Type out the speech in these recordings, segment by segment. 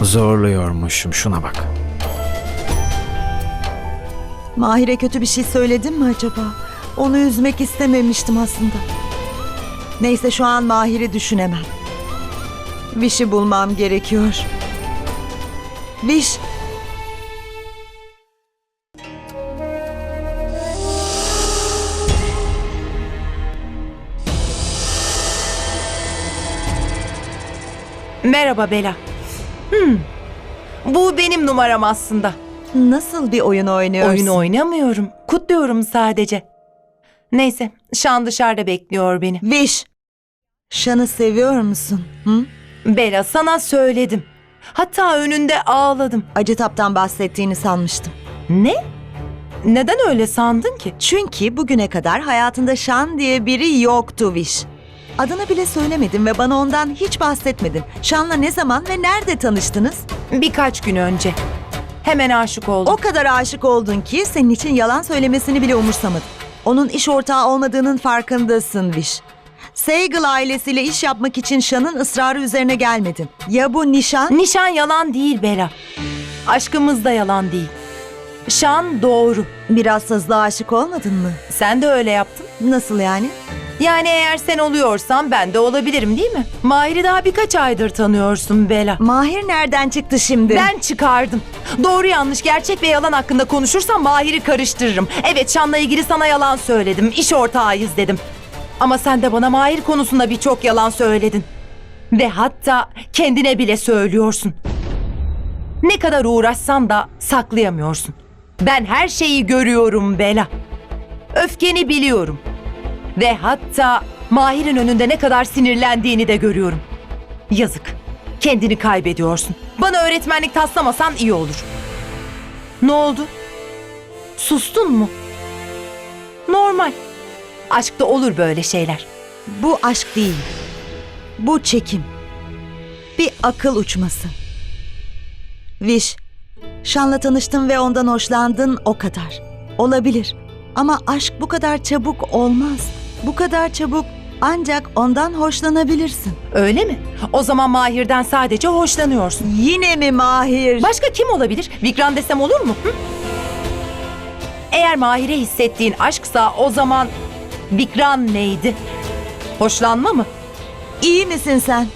Zorluyormuşum, şuna bak. Mahir'e kötü bir şey söyledim mi acaba? Onu üzmek istememiştim aslında. Neyse şu an Mahir'i düşünemem. Viş'i bulmam gerekiyor. Viş. Merhaba Bela. Bu benim numaram aslında. Nasıl bir oyun oynuyorsun? Oyun oynamıyorum. Kutluyorum sadece. Neyse, Şan dışarıda bekliyor beni. Viş. Şan'ı seviyor musun? Hı? Bela, sana söyledim. Hatta önünde ağladım. Acıtap'tan bahsettiğini sanmıştım. Ne? Neden öyle sandın ki? Çünkü bugüne kadar hayatında Şan diye biri yoktu Viş. Adını bile söylemedin ve bana ondan hiç bahsetmedin. Şan'la ne zaman ve nerede tanıştınız? Birkaç gün önce. Hemen aşık oldum. O kadar aşık oldun ki senin için yalan söylemesini bile umursamadın. Onun iş ortağı olmadığının farkındasın Viş. Sehgal ailesiyle iş yapmak için Şan'ın ısrarı üzerine gelmedin. Ya bu nişan? Nişan yalan değil Bela. Aşkımız da yalan değil. Şan doğru. Biraz hızlı aşık olmadın mı? Sen de öyle yaptın. Nasıl yani? Yani eğer sen oluyorsan ben de olabilirim değil mi? Mahir'i daha birkaç aydır tanıyorsun Bela. Mahir nereden çıktı şimdi? Ben çıkardım. Doğru yanlış, gerçek ve yalan hakkında konuşursam Mahir'i karıştırırım. Evet, Şan'la ilgili sana yalan söyledim. İş ortağıyız dedim. Ama sen de bana Mahir konusunda birçok yalan söyledin. Ve hatta kendine bile söylüyorsun. Ne kadar uğraşsan da saklayamıyorsun. Ben her şeyi görüyorum Bela. Öfkeni biliyorum. Ve hatta Mahir'in önünde ne kadar sinirlendiğini de görüyorum. Yazık. Kendini kaybediyorsun. Bana öğretmenlik taslamasan iyi olur. Ne oldu? Sustun mu? Normal. Aşkta olur böyle şeyler. Bu aşk değil. Bu çekim. Bir akıl uçması. Viş, Şan'la tanıştın ve ondan hoşlandın, o kadar. Olabilir. Ama aşk bu kadar çabuk olmaz. Bu kadar çabuk ancak ondan hoşlanabilirsin. Öyle mi? O zaman Mahir'den sadece hoşlanıyorsun. Yine mi Mahir? Başka kim olabilir? Vikran desem olur mu? Hı? Eğer Mahir'e hissettiğin aşksa o zaman Vikran neydi? Hoşlanma mı? İyi misin sen?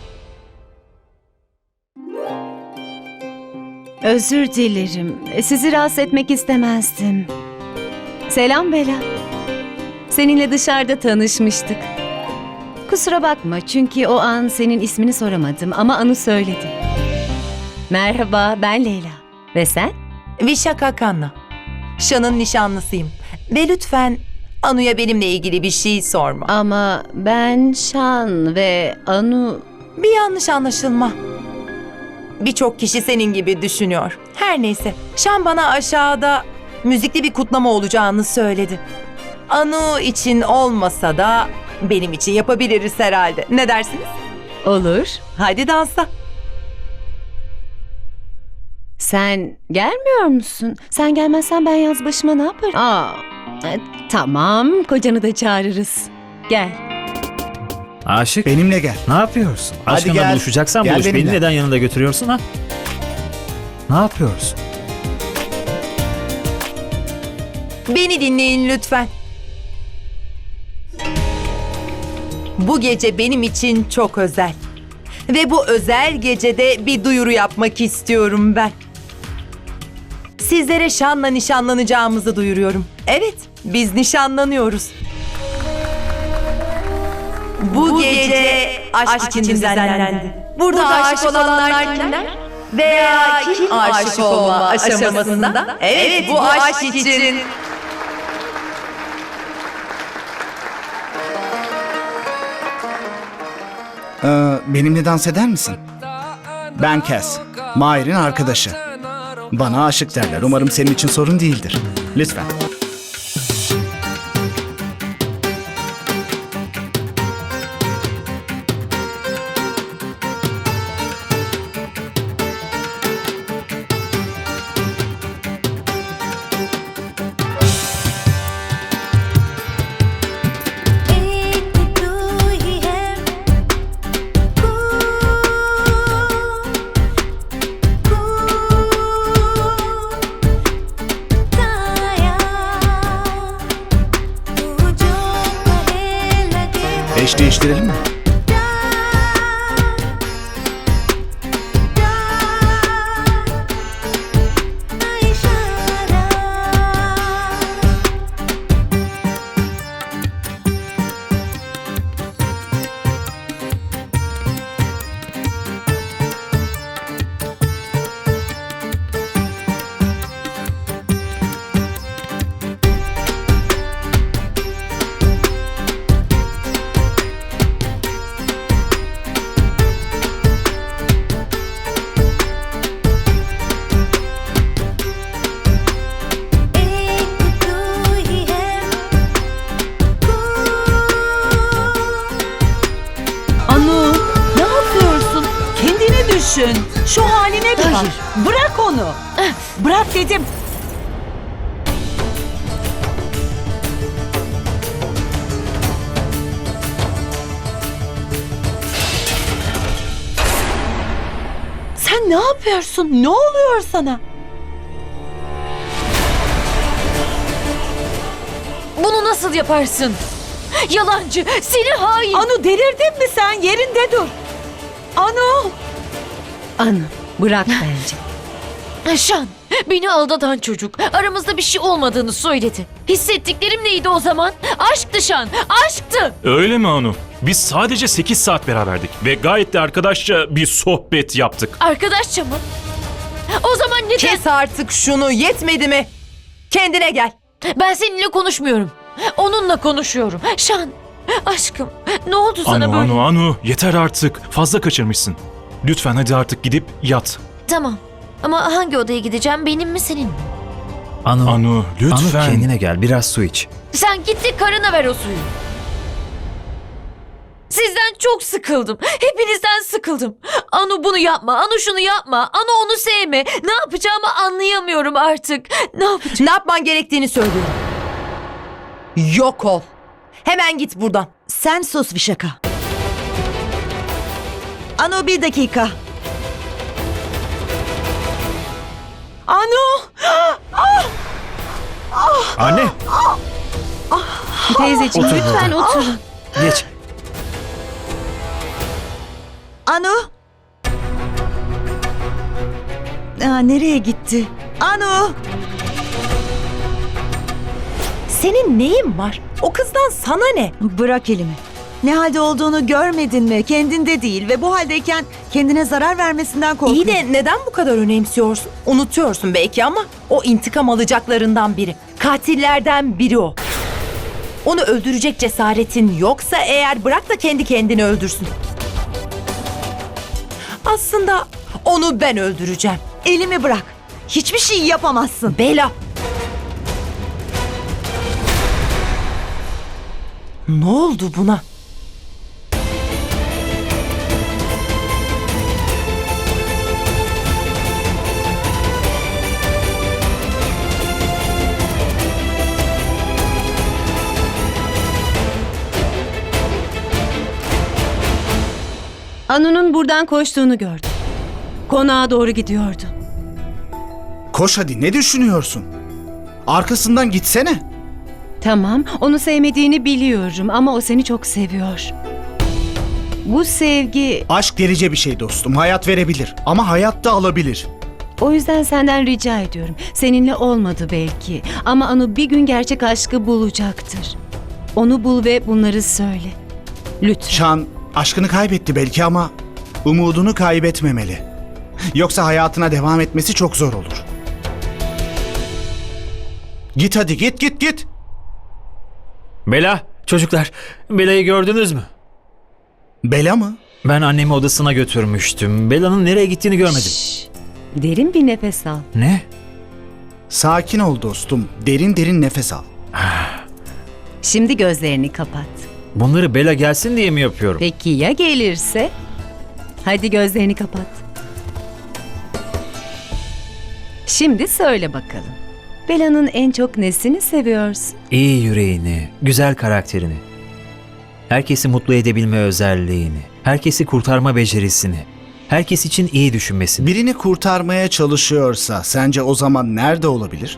Özür dilerim. Sizi rahatsız etmek istemezdim. Selam Bela. Seninle dışarıda tanışmıştık. Kusura bakma çünkü o an senin ismini soramadım ama Anu söyledi. Merhaba, ben Leyla. Ve sen? Vişaka Kanna. Şan'ın nişanlısıyım. Ve lütfen Anu'ya benimle ilgili bir şey sorma. Ama ben Şan ve Anu... Bir yanlış anlaşılma. Birçok kişi senin gibi düşünüyor. Her neyse, Şan bana aşağıda müzikli bir kutlama olacağını söyledi. Anu için olmasa da benim için yapabiliriz herhalde. Ne dersiniz? Olur. Hadi dansa. Sen gelmiyor musun? Sen gelmezsen ben yaz başıma ne yaparım? Tamam, kocanı da çağırırız. Gel. Aşık, Benimle gel. ne yapıyorsun? Hadi Aşkınla gel. buluşacaksan Gel buluş. Beni benimle. neden yanında götürüyorsun ha? Ne yapıyorsun? Beni dinleyin lütfen. Bu gece benim için çok özel. Ve bu özel gecede bir duyuru yapmak istiyorum ben. Sizlere Şan'la nişanlanacağımızı duyuruyorum. Evet, biz nişanlanıyoruz. Bu gece aşk için düzenlendi. Burada aşık olanlar kimler? Veya kim aşık olma aşamasında? Evet, bu aşk için. Benimle dans eder misin? Ben Cass, Mahir'in arkadaşı. Bana aşık derler. Umarım senin için sorun değildir. Lütfen. एक तू ही है İş değiştirelim mi? एक तू ही है Anu, ne yapıyorsun? Kendini düşün. Şu haline bir bak. Bırak onu. Bırak dedim. Sen ne yapıyorsun? Ne oluyor sana? Bunu nasıl yaparsın? Yalancı, seni hain. Anu delirdin mi sen? Yerinde dur. Anu. Anu, bırak bence. Şan, beni aldatan çocuk. Aramızda bir şey olmadığını söyledi. Hissettiklerim neydi o zaman? Aşktı Şan, aşktı. Öyle mi Anu? Biz sadece 8 saat beraberdik ve gayet de arkadaşça bir sohbet yaptık. Arkadaşça mı? O zaman neden? Kes artık şunu, yetmedi mi? Kendine gel. Ben seninle konuşmuyorum. Onunla konuşuyorum. Şan, aşkım, ne oldu sana böyle? Anu, yeter artık. Fazla kaçırmışsın. Lütfen hadi artık gidip yat. Tamam. Ama hangi odaya gideceğim? Benim mi senin mi? Anu, lütfen. Anu kendine gel, biraz su iç. Sen gitti karına ver o suyu. Sizden çok sıkıldım. Hepinizden sıkıldım. Anu bunu yapma. Anu şunu yapma. Anu onu sevme. Ne yapacağımı anlayamıyorum artık. Ne yapacağım? Ne yapman gerektiğini söylüyorum. Yok ol. Hemen git buradan. Sen sus Vişaka. Anu, bir dakika. Anu. Anne, Teyzeciğim Otur lütfen burada. oturun. geç. Anu. Nereye gitti? Anu. Senin neyin var? O kızdan sana ne? Bırak elimi. Ne halde olduğunu görmedin mi? Kendinde değil ve bu haldeyken kendine zarar vermesinden korkuyorsun. İyi de neden bu kadar önemsiyorsun? Unutuyorsun belki ama o intikam alacaklarından biri. Katillerden biri o. Onu öldürecek cesaretin yoksa eğer bırak da kendi kendini öldürsün. Aslında onu ben öldüreceğim. Elimi bırak. Hiçbir şey yapamazsın. Bela. Ne oldu buna? Anu'nun buradan koştuğunu gördüm. Konağa doğru gidiyordu. Koş hadi, ne düşünüyorsun? Arkasından gitsene. Tamam, onu sevmediğini biliyorum ama o seni çok seviyor. Bu sevgi, Aşk delice bir şey dostum. Hayat verebilir ama hayat da alabilir. o yüzden senden rica ediyorum. Seninle olmadı belki ama Anu bir gün gerçek aşkı bulacaktır. Onu bul ve bunları söyle. Lütfen. Şan aşkını kaybetti belki ama umudunu kaybetmemeli. Yoksa hayatına devam etmesi çok zor olur. Git hadi, git. Bela, çocuklar, Bela'yı gördünüz mü? Bela mı? Ben annemi odasına götürmüştüm. Bela'nın nereye gittiğini görmedim. Derin bir nefes al. Ne? Sakin ol dostum. Derin derin nefes al. Şimdi gözlerini kapat. Bunları Bela gelsin diye mi yapıyorum? Peki ya gelirse? Hadi gözlerini kapat. Şimdi söyle bakalım. Bela'nın en çok nesini seviyorsun? İyi yüreğini, güzel karakterini. Herkesi mutlu edebilme özelliğini, herkesi kurtarma becerisini, herkes için iyi düşünmesini. Birini kurtarmaya çalışıyorsa sence o zaman nerede olabilir?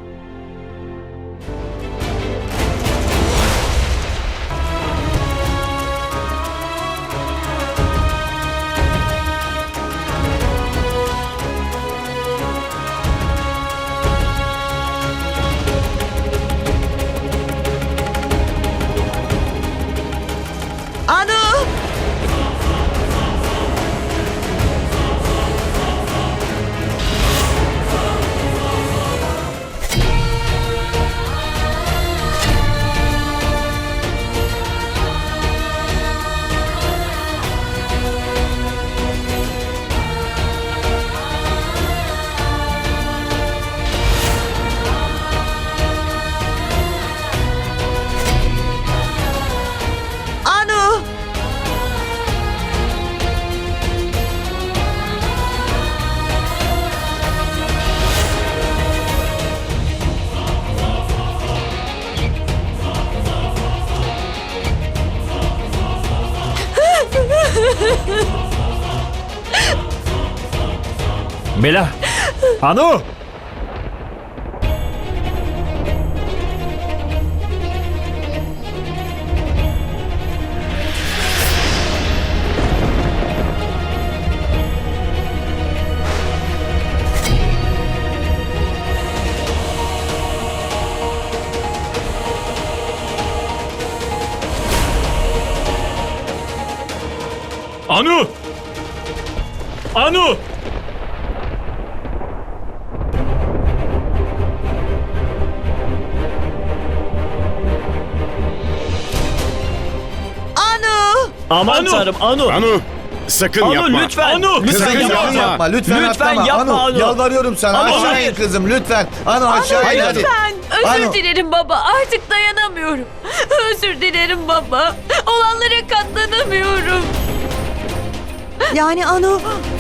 Bela! Anu! Anu! Anu! Anu! Aman Anu! tanrım Anu. Anu sakın Anu yapma. lütfen. Anu! Lütfen Sakın yapma. yapma. Lütfen Lütfen atlama. yapma Anu. Yalvarıyorum sana. Anu, Aşağı hayır. in kızım lütfen. Anu aşağı in hadi. Özür Anu. dilerim baba. Artık dayanamıyorum. Özür dilerim baba. Olanlara katlanamıyorum. Yani Anu...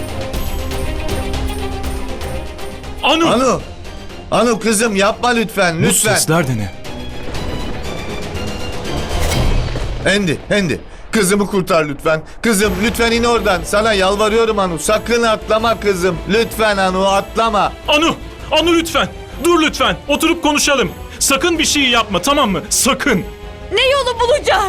Anu! Anu. Anu kızım yapma lütfen. Lütfen. de ne? Hendi. Kızımı kurtar lütfen. Kızım lütfen in oradan. Sana yalvarıyorum Anu. Sakın atlama kızım. Lütfen Anu atlama. Anu! Anu lütfen! Dur lütfen! Oturup konuşalım. Sakın bir şey yapma, tamam mı? Sakın! Ne yolu bulacağız?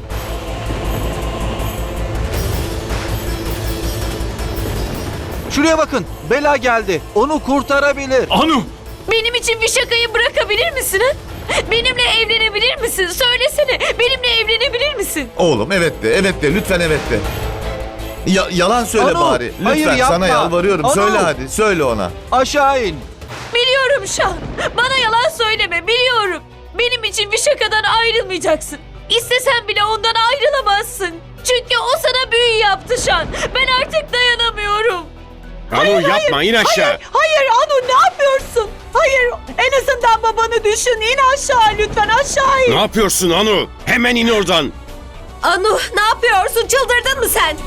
Şuraya bakın. Bela geldi. Onu kurtarabilir. Anu! Benim için bir şakayı bırakabilir misin? ha? Benimle evlenebilir misin? Söylesene. Benimle evlenebilir misin? Oğlum evet de lütfen evet de. Yalan söyle Anu, bari. Lütfen hayır, yapma. sana yalvarıyorum. Anu. Söyle hadi. Söyle ona. Aşağı in. Biliyorum Şan. Bana yalan söyleme. Biliyorum. Benim için bir şakadan ayrılmayacaksın. İstesen bile ondan ayrılamazsın. Çünkü o sana büyü yaptı Şan. Ben artık dayanamıyorum. Anu yapma in aşağı. Hayır Anu ne yapıyorsun? Hayır en azından babanı düşün. İn aşağı lütfen aşağı in. Ne yapıyorsun Anu? Hemen in oradan. Anu ne yapıyorsun? Çıldırdın mı sen?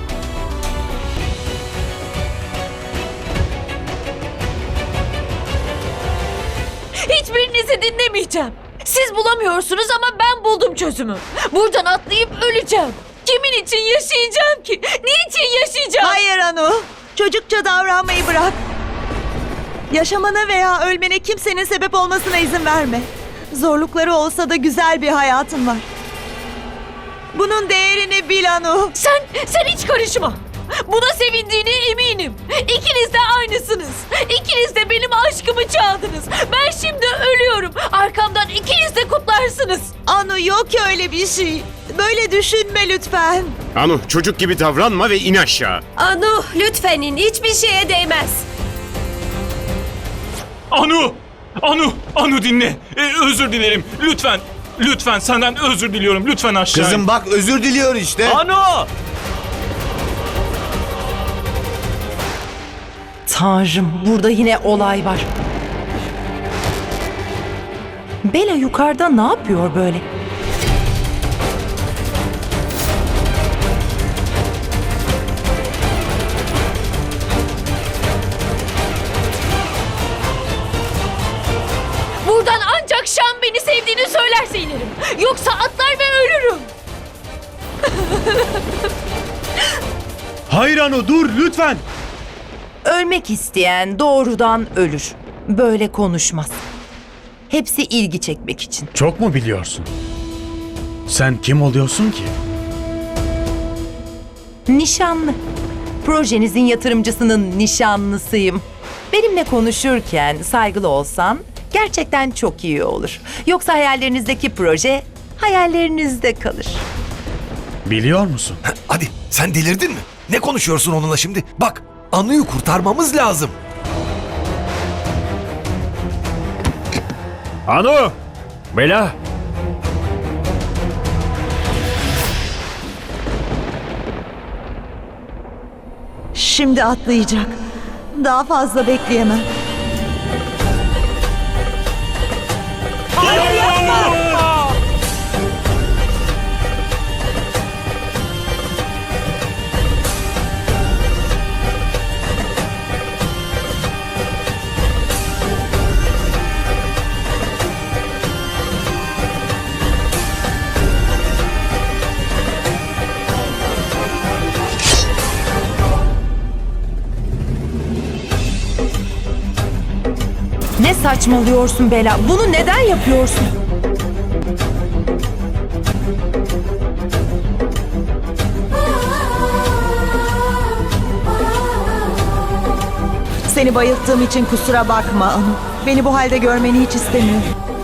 Hiçbirinizi dinlemeyeceğim. Siz bulamıyorsunuz ama ben buldum çözümü. Buradan atlayıp öleceğim. Kimin için yaşayacağım ki? Niçin yaşayacağım? Hayır Anu. Çocukça davranmayı bırak. Yaşamana veya ölmene kimsenin sebep olmasına izin verme. Zorlukları olsa da güzel bir hayatın var. Bunun değerini bil Anu. Sen hiç karışma. Buna sevindiğine eminim. İkiniz de aynısınız. İkiniz de benim aşkımı çaldınız. Ben şimdi ölüyorum. Arkamdan ikiniz de kutlarsınız. Anu yok öyle bir şey. Böyle düşünme lütfen. Anu çocuk gibi davranma ve in aşağı. Anu lütfen in. Hiçbir şeye değmez. Anu! Anu! Anu dinle! Özür dilerim. Lütfen! Lütfen senden özür diliyorum. Lütfen aşağı in. Kızım bak özür diliyor işte. Anu! Tanrım, burada yine olay var. Bela yukarıda ne yapıyor böyle? Buradan ancak Şan beni sevdiğini söylerse inerim. Yoksa atlar ve ölürüm. Hayır Anu dur lütfen. Ölmek isteyen doğrudan ölür. Böyle konuşmaz. Hepsi ilgi çekmek için. Çok mu biliyorsun? Sen kim oluyorsun ki? Nişanlı. Projenizin yatırımcısının nişanlısıyım. Benimle konuşurken saygılı olsan gerçekten çok iyi olur. Yoksa hayallerinizdeki proje hayallerinizde kalır. Biliyor musun? Hadi sen delirdin mi? Ne konuşuyorsun onunla şimdi? Bak Anu'yu kurtarmamız lazım. Anu! Bela! Şimdi atlayacak. Daha fazla bekleyemem. saçmalıyorsun Bela? Bunu neden yapıyorsun? Seni bayılttığım için kusura bakma Anu. Beni bu halde görmeni hiç istemiyorum.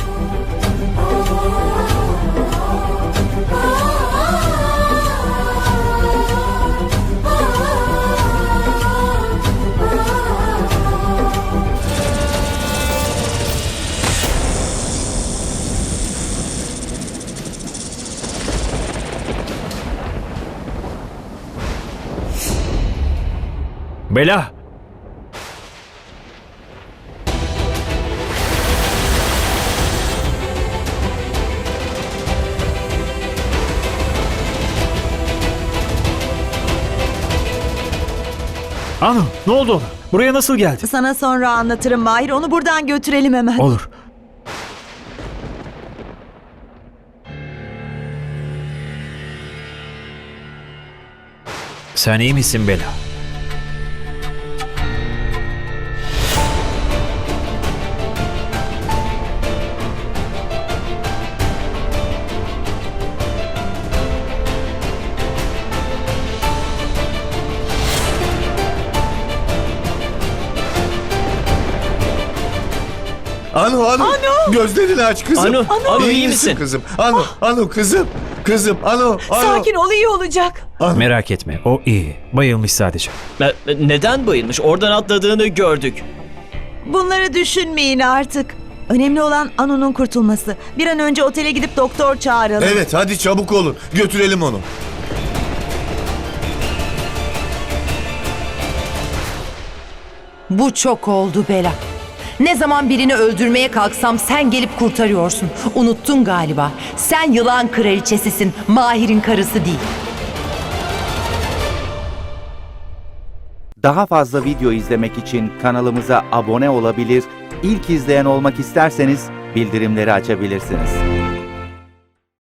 Bela! Anu, ne oldu ona? Buraya nasıl geldi? Sana sonra anlatırım Mahir. Onu buradan götürelim hemen. Olur. Sen iyi misin Bela? Anu. Gözlerini aç kızım. Anu, iyi misin kızım? Anu kızım. Kızım Anu. Sakin ol, iyi olacak. Merak etme, o iyi. Bayılmış sadece. Neden bayılmış? Oradan atladığını gördük. Bunları düşünmeyin artık. Önemli olan Anu'nun kurtulması. Bir an önce otele gidip doktor çağıralım. Evet hadi çabuk olun. Götürelim onu. Bu çok oldu Bela. Ne zaman birini öldürmeye kalksam sen gelip kurtarıyorsun. Unuttun galiba. Sen yılan kraliçesisin, Mahir'in karısı değil. Daha fazla video izlemek için kanalımıza abone olabilir, ilk izleyen olmak isterseniz bildirimleri açabilirsiniz.